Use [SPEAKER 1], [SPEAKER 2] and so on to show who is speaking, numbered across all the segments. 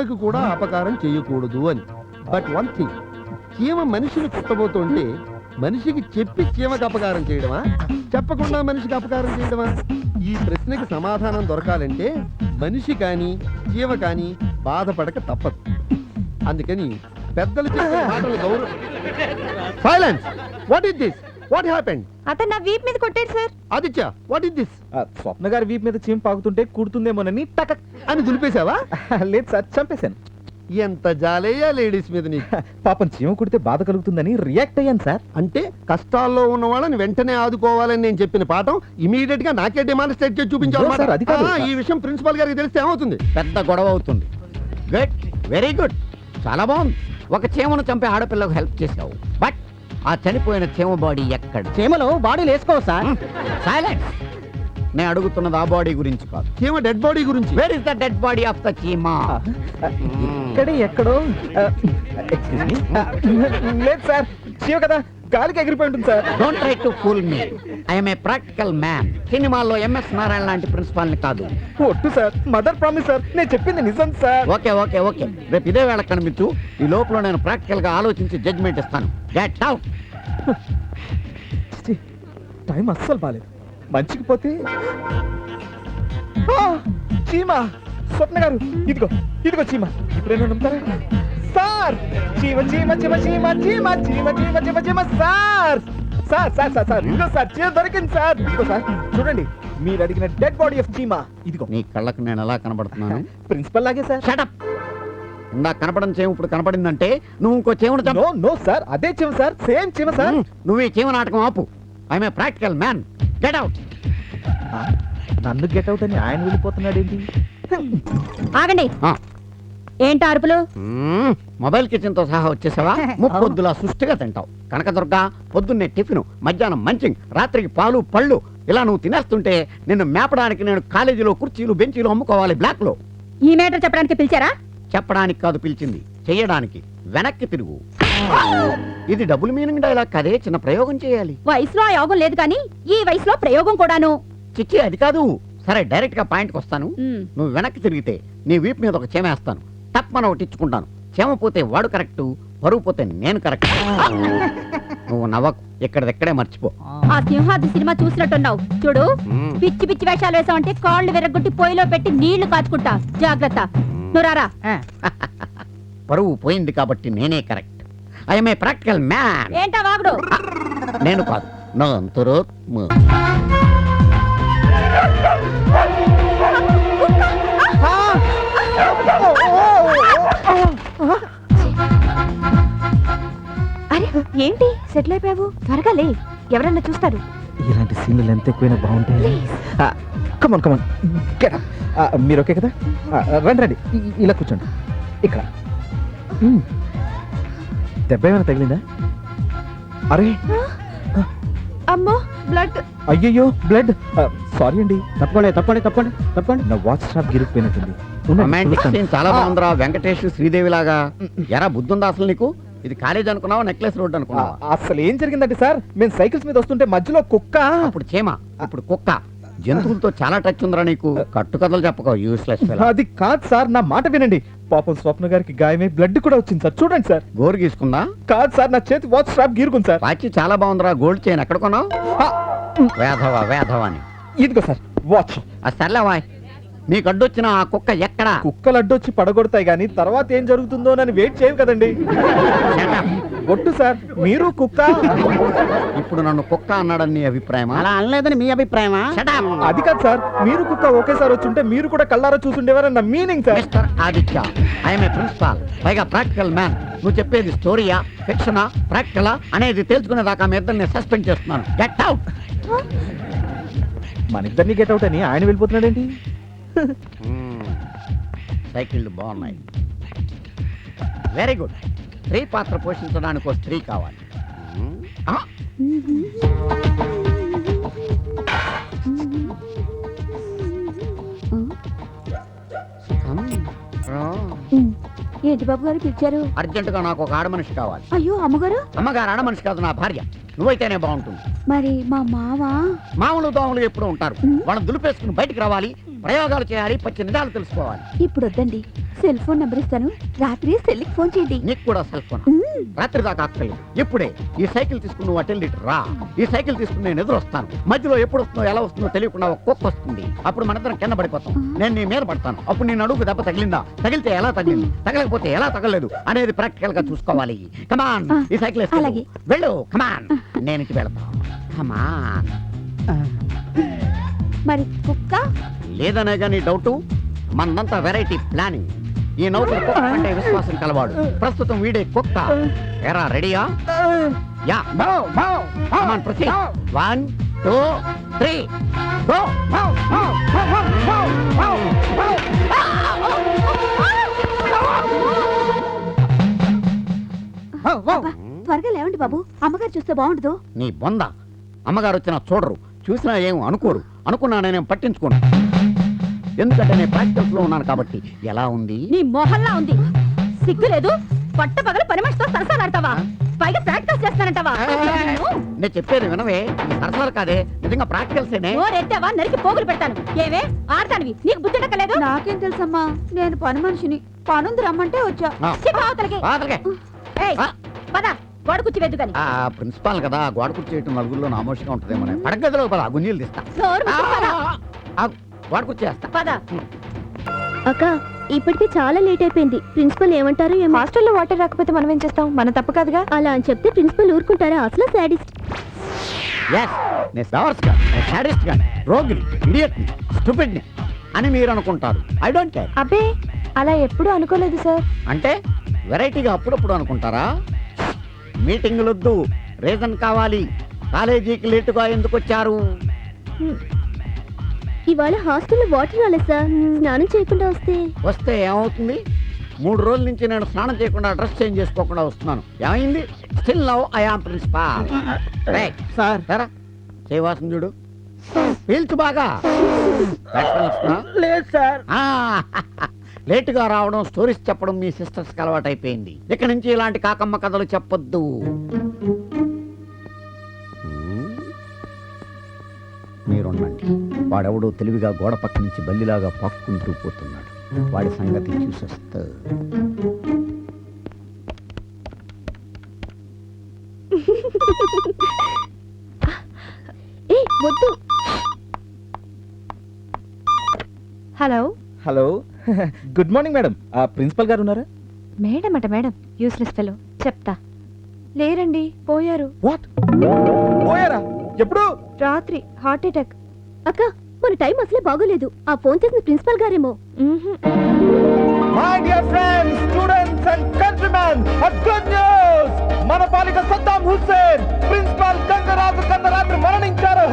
[SPEAKER 1] చీమకు కూడా అపకారం చేయకూడదు అని. బట్ వన్ థింగ్, చీమ మనిషిని కుట్టబోతుంటే మనిషికి చెప్పి చీమకు అపకారం చేయడమా, చెప్పకుండా మనిషికి అపకారం చేయడమా? ఈ ప్రశ్నకి సమాధానం దొరకాలంటే మనిషి కానీ చీమ కానీ బాధపడక తప్పదు. అందుకని పెద్దలు చెప్పే మాటలు గౌరవం. Silence. What is this? What happened?
[SPEAKER 2] అతను నా వీప్ మీద కొట్టాడు sir.
[SPEAKER 1] Aditya, what is this?
[SPEAKER 3] Swapna గారి వీప్ మీద చీమ పాకుతుంటే కుడుతుందేమోనని టక్
[SPEAKER 1] అని దులిపేశావా?
[SPEAKER 3] లేదు సార్, చంపేశాను.
[SPEAKER 1] ఎంత జాలేయా లేడీస్ మీద నీకు.
[SPEAKER 3] పాపం చీమ కుడితే బాధ కలుగుతుందని రియాక్ట్ అయ్యాను సార్.
[SPEAKER 1] అంటే కష్టాల్లో ఉన్న వాళ్ళని వెంటనే ఆదుకోవాలని నేను చెప్పిన పాఠం ఇమీడియట్ గా నాకే డెమాన్స్ట్రేట్ చేసి
[SPEAKER 3] No, sir, అది కాదు.
[SPEAKER 1] చూపించాలి. ఈ విషయం ప్రిన్సిపాల్ గారికి తెలిస్తే ఏమవుతుంది?
[SPEAKER 4] పెద్ద గొడవ అవుతుంది. గుడ్, వెరీ గుడ్, చాలా బాగుంది. ఒక చీమను చంపే ఆడపిల్లకు హెల్ప్ చేసావు. బట్ ఆ చనిపోయిన చీమ బాడీ ఎక్కడ?
[SPEAKER 5] చీమలు బాడీలు వేసుకోవు సార్.
[SPEAKER 4] సైలెన్స్. నేను అడుగుతున్నది ఆ బాడీ గురించి కాదు.
[SPEAKER 1] చీమ డెడ్ బాడీ గురించి.
[SPEAKER 4] Where is the dead body of the చీమ?
[SPEAKER 3] ఇక్కడే ఎక్కడో. Excuse me. లేదు సార్, చీమ కదా గాలికి ఎగిరిపోయి ఉంటుంది sir.
[SPEAKER 4] Don't try to fool me. I'm a practical man. సినిమాల్లో ఎంఎస్ నారాయణ లాంటి ప్రిన్సిపాల్ ని కాదు.
[SPEAKER 3] ఒట్టు సార్, మదర్ ప్రామిస్ సార్, నేను చెప్పింది నిజం సార్.
[SPEAKER 4] ఓకే ఓకే ఓకే, రేపు ఇదే వేళ కనిపించు. ఈ లోపల నేను ప్రాక్టికల్ గా ఆలోచించి జడ్జ్మెంట్ ఇస్తాను. Get out.
[SPEAKER 3] టైం అస్సలు బాలేదు. మంచికి పోతే చీమ. స్వప్న గారు, ఇదిగో ఇదిగో చీమ. ఇప్పుడేనా నమ్ముతారా సార్? చీమ చీమ చీమ చీమ చీమ చీమ చీమ చీమ చీమ sir. Sir sir sir sir ఇదిగో సార్, చీమ దొరికింది సార్. ఇదిగో సార్, చూడండి, మీరు అడిగిన డెడ్ బాడీ ఆఫ్ చీమ ఇదిగో.
[SPEAKER 4] నీ కళ్ళకు నేను ఎలా కనబడుతున్నాను?
[SPEAKER 3] ప్రిన్సిపల్ లాగే సార్.
[SPEAKER 4] షటప్. ఇందా కనపడని చీమ ఇప్పుడు కనపడిందంటే నువ్వు ఇంకో చీమను చంపు.
[SPEAKER 3] నో నో సార్, అదే చీమ సార్, సేమ్ చీమ సార్.
[SPEAKER 4] నువ్వు ఈ చీమ నాటకం ఆపు. I'm a practical man. Get out.
[SPEAKER 3] నన్ను గెట్ అవుట్ అని ఆయన వెళ్ళిపోతున్నాడు ఏంటి?
[SPEAKER 2] ఆగండి. ఏంటి అరుపులు?
[SPEAKER 4] మొబైల్ కిచెన్ తో సహా వచ్చేసావా? ముప్పొద్దులా సుష్టిగా తింటావు. కనకదుర్గ, పొద్దున్నే టిఫిన్, మధ్యాహ్నం మంచింగ్, రాత్రికి పాలు పళ్ళు. ఇలా నువ్వు తినేస్తుంటే నిన్ను మేపడానికి నేను కాలేజీలో కుర్చీలు బెంచీలు అమ్ముకోవాలి బ్లాక్ లో.
[SPEAKER 2] ఈ మేటర్ చెప్పడానికి పిలిచారా?
[SPEAKER 4] చెప్పడానికి కాదు పిలిచింది, చెయ్యడానికి. వెనక్కి తిరుగు. ఇది డబుల్ మీనింగ్ డైలాగ్ కదే, చిన్న ప్రయోగం చేయాలి.
[SPEAKER 2] వయసులో ఆ యోగం లేదు కానీ ఈ వయసులో ప్రయోగం కూడాను.
[SPEAKER 4] చిచ్చి, అది కాదు. సరే, డైరెక్ట్ గా పాయింట్కి వస్తాను. నువ్వు వెనక్కి తిరిగితే నీ వీపు మీద ఒక చీమ వేస్తాను. తప్పన ఒకటి ఇచ్చుకుంటాను. చీమ పోతే వాడు కరెక్ట్, పరువు పోతే నేను కరెక్ట్. నువ్వు నవ్వకు, ఇక్కడెక్కడే మర్చిపో.
[SPEAKER 2] ఆ సింహాద్రి సినిమా చూసినట్టున్నావు. చూడు, పిచ్చి పిచ్చి వేషాలు వేసావంటే కాళ్ళు విరగొట్టి పొయ్యిలో పెట్టి నీళ్లు కాచుకుంటా. జాగ్రత్త. నువ్వు రారా.
[SPEAKER 4] పరువు పోయింది కాబట్టి నేనే correct. I'm a practical man.
[SPEAKER 2] ఏంటా వాగుడు?
[SPEAKER 4] నేను కాదు, నా అంతరాత్మ.
[SPEAKER 2] అరే ఏంటి సెటిల్ అయిపోయావు? త్వరగా లే, ఎవరన్నా చూస్తారు.
[SPEAKER 3] ఇలాంటి సీన్లు ఎంత ఎక్కువైనా బాగుంటాయి. Come on come on, get up. మీరు ఓకే కదా? రండి రండి, ఇలా కూర్చోండి. ఇక్కడ దెబ్బ ఏమైనా తగిలిందా? అరే
[SPEAKER 2] అమ్మో, బ్లడ్.
[SPEAKER 3] అయ్యయ్యో, బ్లడ్. సారీ అండి.
[SPEAKER 5] తప్పండి తప్పండి తప్పండి తప్పండి.
[SPEAKER 3] నా వాచ్ స్ట్రాప్ గిరిగిపోయినట్టుంది.
[SPEAKER 4] రొమాంటిక్ సీన్ చాలా బాగుందిరా. వెంకటేష్ శ్రీదేవి లాగా. ఎరా బుద్ధుందా అసలు నీకు? ఇది కాలేజ్ అనుకున్నావా, నెక్లెస్ రోడ్ అనుకున్నావా?
[SPEAKER 3] అసలు ఏం జరిగిందంటే సార్, మేము సైకిల్స్ మీద వస్తుంటే మధ్యలో కుక్క.
[SPEAKER 4] అప్పుడు చీమ, ఇప్పుడు కుక్క. జంతువులతో చాలా టచ్ ఉందిరా నీకు. కట్టుకథలు చెప్పక, యూస్లెస్ ఫెలో.
[SPEAKER 3] అది కాదు సార్, నా మాట వినండి. పాపం స్వప్న గారికి గాయమై బ్లడ్ కూడా వచ్చింది సార్. చూడండి సార్.
[SPEAKER 4] గోరు గీసుకుందా?
[SPEAKER 3] కాదు సార్, నా చేతి వాచ్ స్ట్రాప్ గీరుకుంది సార్.
[SPEAKER 4] వాచి చాలా బాగుందిరా. గోల్డ్ చైన్ ఎక్కడ కొన్నావు? వేధవా వేధవా అని.
[SPEAKER 3] ఇదిగో సార్ వాచ్.
[SPEAKER 4] సర్లేవా, నీకు అడ్డొచ్చిన ఆ కుక్క ఎక్కడా?
[SPEAKER 3] కుక్కలు అడ్డొచ్చి పడగొడతాయి గానీ తర్వాత ఏం జరుగుతుందో అని వెయిట్ చేయం కదండి. ఒట్టు సార్, మీరు కుక్క.
[SPEAKER 4] ఇప్పుడు నన్ను కుక్క అన్నాడని నీ అభిప్రాయమా?
[SPEAKER 5] అలా అనలేదని మీ అభిప్రాయమా?
[SPEAKER 3] అది కాదు సార్, మీరు కుక్క ఒకేసారి వచ్చుంటే మీరు కూడా కళ్ళారా చూసుండేవారన్న meaning sir.
[SPEAKER 4] Mister Aditya, I'm a principal, పైగా ప్రాక్టికల్ మ్యాన్. నువ్వు చెప్పేది స్టోరీయా, ఫిక్షనా, ప్రాక్టికలా అనేది తెలుసుకునేదాకా మీ ఇద్దరిని సస్పెండ్ చేస్తున్నాను. Get out.
[SPEAKER 3] మన ఇద్దరిని గెట్ అవుట్ అని ఆయన వెళ్ళిపోతున్నాడేంటి?
[SPEAKER 4] సైకిళ్ళు బాగున్నాయి. Very good. స్త్రీ పాత్ర పోషించడానికి ఒక స్త్రీ కావాలి.
[SPEAKER 2] ఏంటి బాబు గారు పిలిచారు?
[SPEAKER 4] అర్జెంటుగా నాకు ఒక ఆడ మనిషి కావాలి.
[SPEAKER 2] అయ్యో అమ్మగారు.
[SPEAKER 4] అమ్మగారు ఆడ మనిషి కాదు, నా భార్య. నువ్వైతేనే బాగుంటుంది.
[SPEAKER 2] మరి మా మామ?
[SPEAKER 4] మామూలు దోమలు ఎప్పుడు ఉంటారు. వాళ్ళని దులిపేసుకుని బయటికి రావాలి, ప్రయోగాలు చేయాలి, పచ్చి నిజాలు తెలుసుకోవాలి.
[SPEAKER 2] ఇప్పుడు వద్దండి, సెల్ ఫోన్ నెంబర్ ఇస్తాను, రాత్రి సెల్కి ఫోన్ చేయండి.
[SPEAKER 4] నీకు కూడా సెల్ ఫోన్ రాత్రి దాకా అక్కర్లేదు. ఇప్పుడే ఈ సైకిల్ తీసుకుని నువ్వు అటెండ్ రా. ఈ సైకిల్ తీసుకుని నేను ఎదురు వస్తాను. మధ్యలో ఎప్పుడు వస్తుందో ఎలా వస్తుందో తెలియకుండా ఒక కుక్క వస్తుంది. అప్పుడు మనందరం కింద పడిపోతాం. నేను నీ మీద పడతాను. అప్పుడు నీ నడుగు దెబ్బ తగిలిందా, తగిలితే ఎలా తగిలింది, తగలకపోతే ఎలా తగలలేదు అనేది ప్రాక్టికల్ గా చూసుకోవాలి. కమాన్, ఈ సైకిల్
[SPEAKER 2] అలాగే.
[SPEAKER 4] వెళ్ళు. కమాన్, నేను ఇంటికి వెళ్తాను. కమాన్.
[SPEAKER 2] మరి కుక్క?
[SPEAKER 4] లేదనే కానీ డౌట్. మనంతా వెరైటీ ప్లానింగ్. ఈ నౌకరు కుక్క అంటే విశ్వాసం కలవాడు. ప్రస్తుతం వీడే కుక్క. ఎరా రెడీయా? యా. Come on proceed. 1 2 3 గో.
[SPEAKER 2] అబ్బా, త్వరగా లేవండి బాబు, అమ్మగారు చూస్తే బాగుండదు.
[SPEAKER 4] నీ బొంద. అమ్మగారు వచ్చినా చూడరు, చూసినా ఏం అనుకోరు. అనుకున్నా నేనేం పట్టించుకోను. ఎందుకంటే నేను ప్రాక్టీస్ లో ఉన్నాను కాబట్టి. ఎలా ఉంది?
[SPEAKER 2] నీ మొహల్లా ఉంది. సిగ్గు లేదు? పట్ట పగల పని మనిషితో సరసాలాడతావా? పైగా ప్రాక్టీస్ చేస్తానంటావా?
[SPEAKER 4] నేను చెప్పేది వినవే. సరసాలు కాదే, నిజంగా ప్రాక్టికల్సేనే.
[SPEAKER 2] ఎత్తావా నరికి పోగులు పెడతాను. ఏవే ఆడతానివి, నీకు బుద్ధి డక్కలేదు? నాకేం తెలుసమ్మా, నేను పని మనిషిని. పనుంది రమ్మంటే వచ్చా.
[SPEAKER 4] బాధలకే.
[SPEAKER 2] ఏయ్, పద గోడ కుర్చీ వెద్దు కానీ.
[SPEAKER 4] ప్రిన్సిపాల్ కదా, గోడ కుర్చీ చేయటం నలుగురిలో నామోషిగా ఉంటుందేమో. పడగదిలో పద, గుంజీలు తీస్తా.
[SPEAKER 2] నోరు మూసుకు పద.
[SPEAKER 4] గోడ కుర్చీ వేస్తా.
[SPEAKER 2] పద.
[SPEAKER 6] అక్క ఇప్పటికే చాలా లేట్ అయిపోయింది. ప్రిన్సిపల్ ఏమంటారు? హాస్టల్లో వాటర్ రాకపోతే మనం ఏం చేస్తాం? మన తప్పు కాదుగా. అలా అని చెప్తే ప్రిన్సిపల్ ఊరుకుంటారా? అసలు సాడిస్ట్.
[SPEAKER 4] ఎస్, నేను సవర్స్ గా, నేను సాడిస్ట్ గా, రోగిని, ఇడియట్ ని, స్టూపిడ్ ని అని మీరు అనుకుంటారు. I don't care.
[SPEAKER 6] అబ్బే అలా ఎప్పుడూ అనుకోలేదు సార్.
[SPEAKER 4] అంటే వెరైటీగా అప్పుడప్పుడు అనుకుంటారా? మీటింగులు వద్దు, రీజన్ కావాలి. కాలేజీకి లేటుగా ఎందుకు వచ్చారు?
[SPEAKER 6] ఇవాళ హాస్టల్లో వాటర్ రాలేదు సార్. స్నానం చేయకుండా
[SPEAKER 4] వస్తే ఏమవుతుంది? 3 రోజుల నుంచి నేను స్నానం చేయకుండా డ్రెస్ చేంజ్ చేసుకోకుండా వస్తున్నాను. ఏమైంది? Still now I am principal.
[SPEAKER 5] Sir
[SPEAKER 4] సరే చేయవాసం చూడు. పీల్చు బాగా.
[SPEAKER 5] లేదు సార్.
[SPEAKER 4] లేటుగా రావడం, స్టోరీస్ చెప్పడం మీ సిస్టర్స్ కి అలవాటు అయిపోయింది. ఇక నుంచి ఇలాంటి కాకమ్మ కథలు చెప్పొద్దు. మీరుండండి. వాడెవడో తెలివిగా గోడ పక్క నుంచి బల్లిలాగా పాక్కుంటూ పోతున్నాడు. వాడి సంగతి చూసొస్తా.
[SPEAKER 6] ఏ వద్దు.
[SPEAKER 2] Hello.
[SPEAKER 3] Hello. Good morning madam. Principal garu ఉన్నారా?
[SPEAKER 6] మేడం అట మేడం, యూస్లెస్ ఫెలో. చెప్తా. లేరండి, పోయారు.
[SPEAKER 3] వాట్? పోయారా? ఎప్పుడు?
[SPEAKER 6] రాత్రి హార్ట్ అటాక్. అక్క మన టైం అసలే బాగోలేదు. ఆ ఫోన్ చేసిన ప్రిన్సిపల్ గారేమో.
[SPEAKER 3] My dear friends, students and countrymen, good news. మన పాలిక సద్దాం హుస్సేన్ ప్రిన్సిపల్ గంగరాజు కన్నరాత్రి మరణించారు.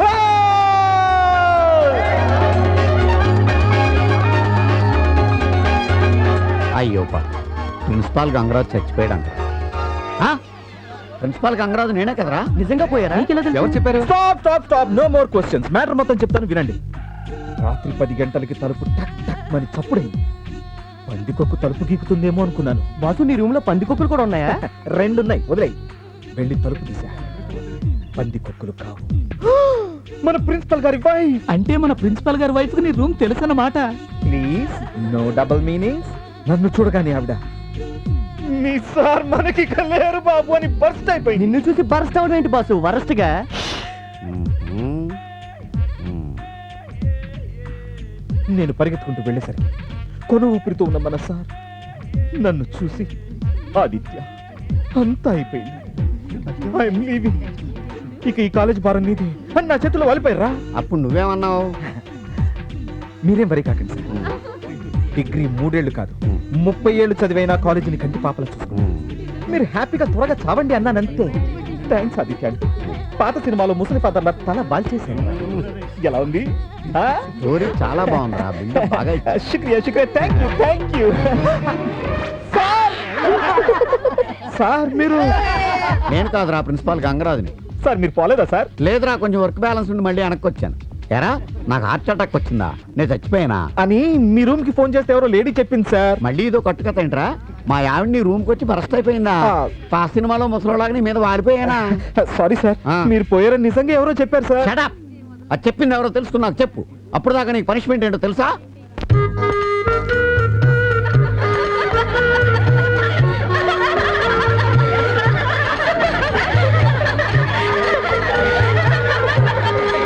[SPEAKER 4] అయ్యో ప్రిన్సిపాల్ గంగరాజు చచ్చిపోయాడంట. ప్రిన్సిపాల్ గంగరాజు నేనే కదరా?
[SPEAKER 5] నిజంగా పోయారా?
[SPEAKER 3] ఎవరు చెప్పారు? Stop stop stop, no more questions. Matter మొత్తం చెప్తాను వినండి. రాత్రి 10 గంటలకి తలుపు టక్ టక్ అని చప్పుడైంది. పందికొక్కు తలుపు గీకుతుందేమో అనుకున్నాను.
[SPEAKER 5] బాసు నీ రూమ్ లో పందికొక్కులు కూడా ఉన్నాయా?
[SPEAKER 3] 2 ఉన్నాయి, వదిలేయ్. వెళ్ళి తలుపు తీసా. పందికొక్కులు కావు, మన ప్రిన్సిపల్ గారి వైఫ్.
[SPEAKER 5] అంటే మన ప్రిన్సిపల్ గారి వైఫ్ కి నీ రూమ్ తెలుసన్నమాట.
[SPEAKER 3] Please no double meanings. నన్ను చూడగానే ఆవిడ మీ సార్ మనకి లేరు బాబు అని బర్స్ట్ అయిపోయింది.
[SPEAKER 5] నిన్ను చూసి బర్స్ట్ అవడం ఏంటి బాసు? వరస్ట్ గా.
[SPEAKER 3] నేను పరిగెత్తుకుంటూ వెళ్ళేసరికి కొను ఊపిరితో ఉన్న మన సార్ నన్ను చూసి, ఆదిత్య అంతా అయిపోయింది, ఐఎమ్ లీవింగ్, ఇక ఈ కాలేజ్ భారం నీది అని నా చేతిలో వాలిపోయారా.
[SPEAKER 4] అప్పుడు నువ్వేమన్నావు?
[SPEAKER 3] మీరేం వరి కాకండి సార్. డిగ్రీ 3 ఏళ్ళు కాదు 30 ఏళ్ళు చదివైనా కాలేజీని కంటి పాపల చూసుకున్నాను. మీరు హ్యాపీగా త్వరగా చావండి అన్నానంతే. థ్యాంక్స్ ఆదిత్య. పాత సినిమాలో ముసలి ఫాదర్ల తల బాల్చేశాను. ఎలా ఉంది?
[SPEAKER 4] స్టోరీ చాలా బాగుందిరా. బిల్డప్ బాగా ఇచ్చారు.
[SPEAKER 3] శుక్రియా శుక్రియా, థ్యాంక్ యూ. సార్ మీరు?
[SPEAKER 4] నేను కాదురా, ప్రిన్సిపాల్ గంగరాజుని.
[SPEAKER 3] సార్ మీరు పోలేదా సార్?
[SPEAKER 4] లేదురా, కొంచెం వర్క్ బ్యాలెన్స్ ఉండి మళ్ళీ వెనక్కి వచ్చాను. ఎరా నాకు హార్ట్ అటాక్ వచ్చిందా? నేను చచ్చిపోయానా
[SPEAKER 3] అని మీ రూమ్ కి ఫోన్ చేస్తే ఎవరో లేడీ చెప్పింది సార్.
[SPEAKER 4] మళ్ళీ ఇదో కట్టుకథ ఏంట్రా? మా ఆవిడ్ని రూమ్ కి వచ్చి బరస్ట్ అయిపోయిందా? ఆ సినిమాలో ముసలోలాగా నీ మీద వారిపోయానా?
[SPEAKER 3] సారీ సార్, మీరు పోయారని నిజంగా ఎవరో చెప్పారు సార్.
[SPEAKER 4] Shut up. అది చెప్పింది ఎవరో తెలుసుకున్నాకు చెప్పు. అప్పుడు దాకా నీకు పనిష్మెంట్ ఏంటో తెలుసా?